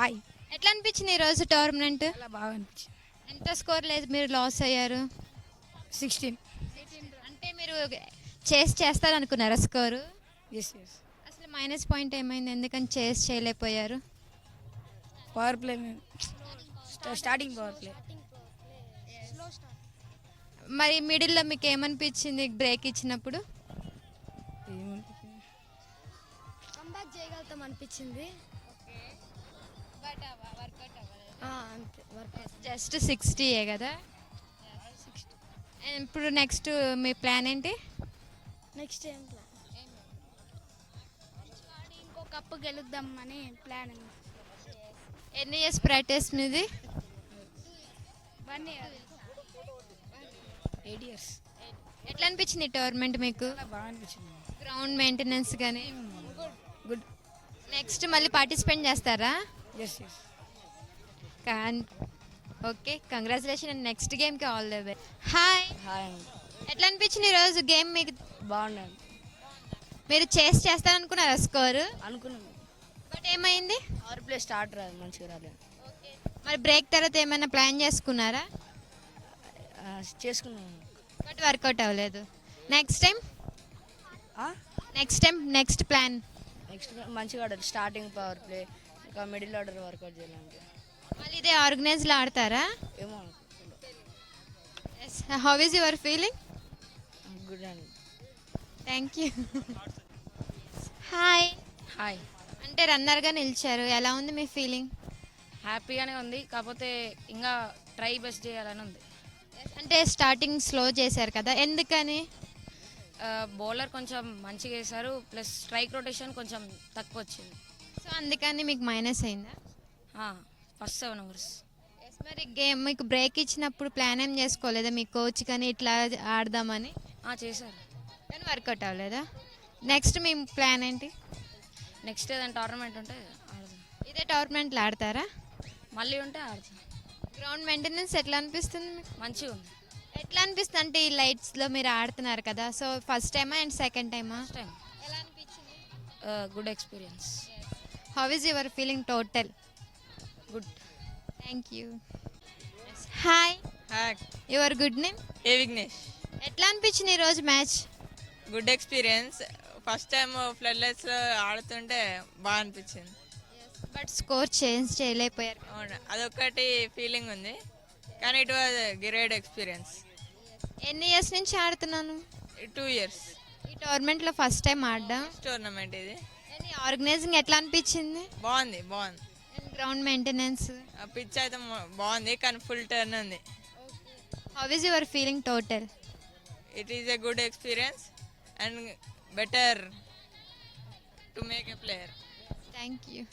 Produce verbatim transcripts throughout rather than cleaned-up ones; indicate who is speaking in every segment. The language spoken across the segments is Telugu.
Speaker 1: హాయ్.
Speaker 2: ఎట్లా అనిపించింది ఈరోజు టోర్నమెంట్?
Speaker 1: చాలా బాగా అనిపించింది.
Speaker 2: ఎంత స్కోర్ లేదు, మీరు లాస్ అయ్యారు.
Speaker 1: సిక్స్టీన్.
Speaker 2: అంటే మీరు చేస్ చేస్తారనుకున్నారా స్కోరు?
Speaker 1: Yes yes.
Speaker 2: అసలు మైనస్ పాయింట్ ఏమైంది, ఎందుకని చేస్ చేయలేకపోయారు?
Speaker 1: Power play starting power play.
Speaker 2: మరి మిడిల్లో మీకు ఏమనిపించింది బ్రేక్ ఇచ్చినప్పుడు?
Speaker 3: కంబ్యాక్ చేయగలుగుతాం అనిపించింది. ఆ, అంతే వర్క్
Speaker 2: జస్ట్ సిక్స్టీయే కదా. ఇప్పుడు నెక్స్ట్ మీ ప్లాన్ ఏంటి?
Speaker 3: నెక్స్ట్ ఏం ప్లాన్? ఇంకో కప్పు గెలుద్దాం అని ప్లాన్.
Speaker 2: ఎన్ని ఇయర్స్ ప్రాక్టీస్ మీది?
Speaker 3: One year.
Speaker 1: Eight years.
Speaker 2: ఎట్లా అనిపించింది టోర్నమెంట్ మీకు?
Speaker 1: చాలా బాగా అనిపించింది.
Speaker 2: గ్రౌండ్ మెయింటెనెన్స్ కానీ
Speaker 1: గుడ్.
Speaker 2: నెక్స్ట్ మళ్ళీ పార్టిసిపేట్ చేస్తారా?
Speaker 1: Yes yes.
Speaker 2: కాన్ ఓకే, కంగ్రాచులేషన్ అండ్ నెక్స్ట్ గేమ్కి all the best. Hi.
Speaker 1: Hi.
Speaker 2: ఎట్లా అనిపించింది ఈరోజు గేమ్ మీకు?
Speaker 1: బాగున్నాను.
Speaker 2: మీరు చేస్ చేస్తారనుకున్నారా స్కోరు?
Speaker 1: అనుకున్నాను.
Speaker 2: బట్ ఏమైంది?
Speaker 1: పవర్ ప్లే స్టార్ట్ రాదు, మంచిగా రాలేదు.
Speaker 2: మరి బ్రేక్ తర్వాత ఏమైనా ప్లాన్ చేసుకున్నారా?
Speaker 1: చేసుకున్నాను.
Speaker 2: బట్ వర్కౌట్ అవ్వలేదు. Next time next time next plan?
Speaker 1: Next మంచిగా ఆడారు. స్టార్టింగ్ పవర్ ప్లే, ఇంకా మిడిల్ ఆర్డర్ వర్కౌట్ చేయాలంటే
Speaker 2: మళ్ళీ ఇదే ఆర్గనైజ్లో ఆడతారా?
Speaker 1: ఏమో.
Speaker 2: How is your feeling?
Speaker 1: Good అండి.
Speaker 2: Thank you. హాయ్.
Speaker 1: హాయ్.
Speaker 2: అంటే రన్నర్గా నిలిచారు, ఎలా ఉంది మీ ఫీలింగ్?
Speaker 1: హ్యాపీగానే ఉంది, కాకపోతే ఇంకా ట్రై బెస్ట్ చేయాలని ఉంది.
Speaker 2: అంటే స్టార్టింగ్ స్లో చేశారు కదా, ఎందుకని?
Speaker 1: బౌలర్ కొంచెం మంచిగా వేశారు, ప్లస్ స్ట్రైక్ రొటేషన్ కొంచెం తక్కువ వచ్చింది.
Speaker 2: సో అందుకని మీకు మైనస్ అయిందా?
Speaker 1: First seven overs.
Speaker 2: మరి గేమ్ మీకు బ్రేక్ ఇచ్చినప్పుడు ప్లాన్ ఏం చేసుకోలేదా మీ కోచ్ కానీ ఇట్లా ఆడదామని?
Speaker 1: చేశారు,
Speaker 2: కానీ వర్కౌట్ అవ్వలేదా? నెక్స్ట్ మీ ప్లాన్ ఏంటి?
Speaker 1: నెక్స్ట్ ఏదైనా టోర్నమెంట్ ఉంటే ఆడదాం.
Speaker 2: ఇదే టోర్నమెంట్లో ఆడతారా?
Speaker 1: మళ్ళీ ఉంటే ఆడతాం.
Speaker 2: గ్రౌండ్ మెయింటెనెన్స్ ఎట్లా అనిపిస్తుంది మీకు?
Speaker 1: మంచిగా ఉంది.
Speaker 2: ఎట్లా అనిపిస్తుంది అంటే ఈ లైట్స్లో మీరు ఆడుతున్నారు కదా, సో ఫస్ట్ టైమా అండ్ సెకండ్ టైమా?
Speaker 1: First time.
Speaker 2: ఎలా అనిపించింది?
Speaker 1: Good experience.
Speaker 2: How is your feeling total?
Speaker 1: Good.
Speaker 2: Thank you. Hi.
Speaker 4: Hi.
Speaker 2: Your good name?
Speaker 4: A Vignesh.
Speaker 2: ఎట్లా అనిపించింది ఈరోజు match?
Speaker 4: Good experience. First time ఫ్లడ్లైట్స్లో ఆడుతుంటే బాగా అనిపించింది.
Speaker 2: బట్ స్కోర్ చేంజ్ చేయలేకపోయారు.
Speaker 4: అవును, అదొక్కటి ఫీలింగ్ ఉంది, కానీ ఇట్ వాజ్ గ్రేట్ ఎక్స్పీరియన్స్.
Speaker 2: ఎన్ని ఇయర్స్ నుంచి ఆడుతున్నాను?
Speaker 4: Two years.
Speaker 2: ఈ టోర్నమెంట్లో ఫస్ట్ టైం ఆడడం.
Speaker 4: టోర్నమెంట్ ఇది.
Speaker 2: ఆర్గనైజింగ్ ఎట్లా అనిపించింది?
Speaker 4: బాగుంది బాగుంది.
Speaker 2: Ground maintenance?
Speaker 4: పిచ్ అయితే బాగుంది, కానీ ఫుల్ టర్న్ ఉంది.
Speaker 2: How is your feeling total?
Speaker 4: It is a good experience and better to make a player.
Speaker 2: Thank you.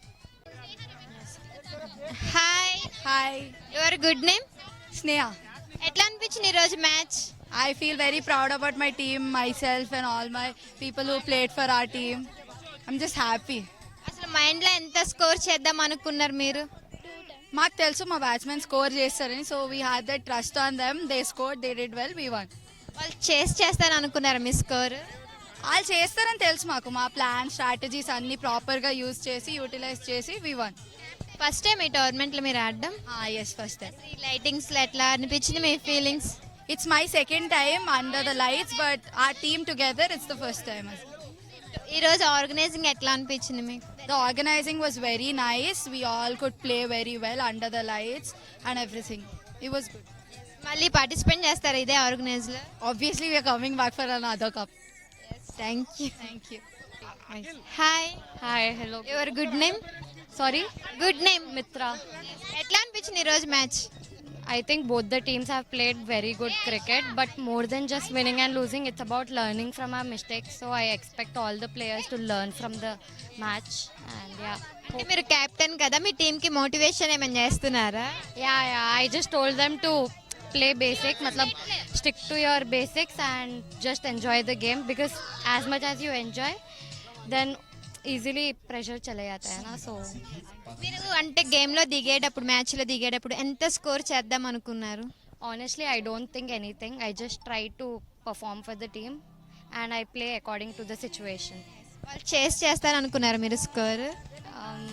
Speaker 2: Hi.
Speaker 5: Hi,
Speaker 2: your good name?
Speaker 5: Sneha.
Speaker 2: ఎట్లా అనిపించింది ఈరోజు match?
Speaker 5: I feel very proud about my team, myself, and all my people who played for our team. I'm just happy.
Speaker 2: అసలు మైండ్లో ఎంత స్కోర్ చేద్దాం అనుకున్నారు మీరు?
Speaker 5: మాకు తెలుసు మా బ్యాట్స్మెన్ స్కోర్ చేస్తారని, so we had that trust on them. They score, they did well, we won.
Speaker 2: వాళ్ళు చేసి చేస్తారు అనుకున్నారు మీ స్కోర్?
Speaker 5: వాళ్ళు చేస్తారని తెలుసు మాకు. మా ప్లాన్ స్ట్రాటజీస్ అన్ని ప్రాపర్గా యూజ్ చేసి యూటిలైజ్ చేసి వీ వన్.
Speaker 2: ఫస్ట్ టైం ఈ టోర్నమెంట్లో మీరు ఆడడం?
Speaker 5: Yes, first time.
Speaker 2: ఈ లైటింగ్స్లో ఎట్లా అనిపించింది మీ feelings?
Speaker 5: It's my second time under the lights, but our team together, it's the first time.
Speaker 2: ఈరోజు ఆర్గనైజింగ్ ఎట్లా అనిపించింది మీకు?
Speaker 5: The organizing was very nice. We all could play very well under the lights and everything. It was good.
Speaker 2: మళ్ళీ పార్టిసిపేట్ చేస్తారు ఇదే ఆర్గనైజ్లో?
Speaker 5: Obviously, we are coming back for another cup.
Speaker 2: Thank you.
Speaker 5: Thank you.
Speaker 2: Hi.
Speaker 6: Hi, hello.
Speaker 2: Your good name?
Speaker 6: Sorry,
Speaker 2: good name?
Speaker 6: Mitra.
Speaker 2: ఎట్లా అనిపించింది ఈరోజు match?
Speaker 6: I think both the teams have played very good cricket, but more than just winning and losing, it's about learning from our mistakes. So I expect all the players to learn from the match. And yeah,
Speaker 2: అంటే మీరు కెప్టెన్ కదా, మీ టీంకి మోటివేషన్ ఏమైనా చేస్తున్నారా?
Speaker 6: yeah, yeah. I just told them to play basic, matlab stick to your basics and just enjoy the game, because as much as you enjoy, then easily pressure चले जाता है ना. So
Speaker 2: మీరు అంటే గేమ్లో దిగేటప్పుడు, మ్యాచ్లో దిగేటప్పుడు ఎంత స్కోర్ చేద్దాం అనుకున్నారు?
Speaker 6: honestly, I don't think anything. I just try to perform for the team and I play according to the situation.
Speaker 2: వాళ్ళు చేసి చేస్తారు అనుకున్నారు మీరు score?
Speaker 6: Um,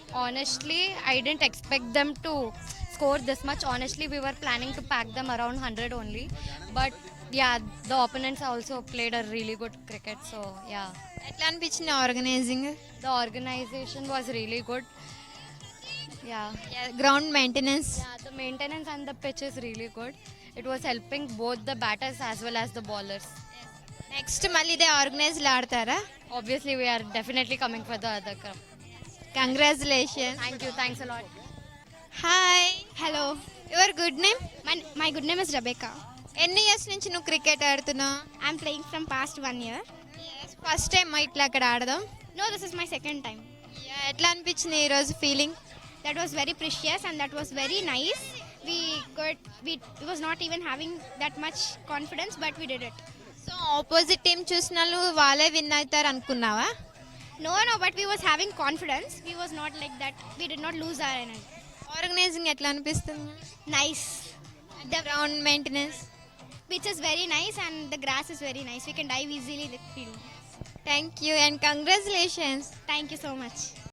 Speaker 6: honestly, I didn't expect them to score this much. Honestly, we were planning to pack them around one hundred only. But yeah, the opponents also played a really good cricket. So yeah,
Speaker 2: ఎట్లా అనిపించింది organising?
Speaker 6: the organization was really good. Yeah.
Speaker 2: Ground maintenance?
Speaker 6: Yeah, the maintenance and the pitch is really good. It was helping both the batters as well as the bowlers.
Speaker 2: Next మళ్ళీ ఇదే ఆర్గనైజ్లో ఆడతారా?
Speaker 6: Obviously, we are definitely coming for the other cup.
Speaker 2: Congratulation.
Speaker 6: Thank you. Thanks a lot.
Speaker 2: Hi,
Speaker 3: hello
Speaker 2: your good name?
Speaker 3: My my good name is Rebecca.
Speaker 2: ఎన్ని ఇయర్స్ నుంచి నువ్వు క్రికెట్ ఆడుతున్నావు?
Speaker 3: I'm playing from past one year.
Speaker 2: First time ఇట్లా అక్కడ ఆడదాం?
Speaker 3: No, this is my second time.
Speaker 2: ఎట్లా అనిపించింది ఈరోజు feeling?
Speaker 3: That was very precious and that was very nice. We got, we was not even having that much confidence, but we did it.
Speaker 2: So opposite team చూసిన వాళ్ళు వాళ్ళే విన్ అవుతారు అనుకున్నావా?
Speaker 3: No, no, but we was having confidence. We was not like that. We did not lose our energy.
Speaker 2: Organising ఎట్లా అనిపిస్తుంది?
Speaker 3: Nice.
Speaker 2: The ground maintenance?
Speaker 3: Pitch is very nice and the grass is very nice. We can dive easily in the field.
Speaker 2: Thank you and congratulations.
Speaker 3: Thank you so much.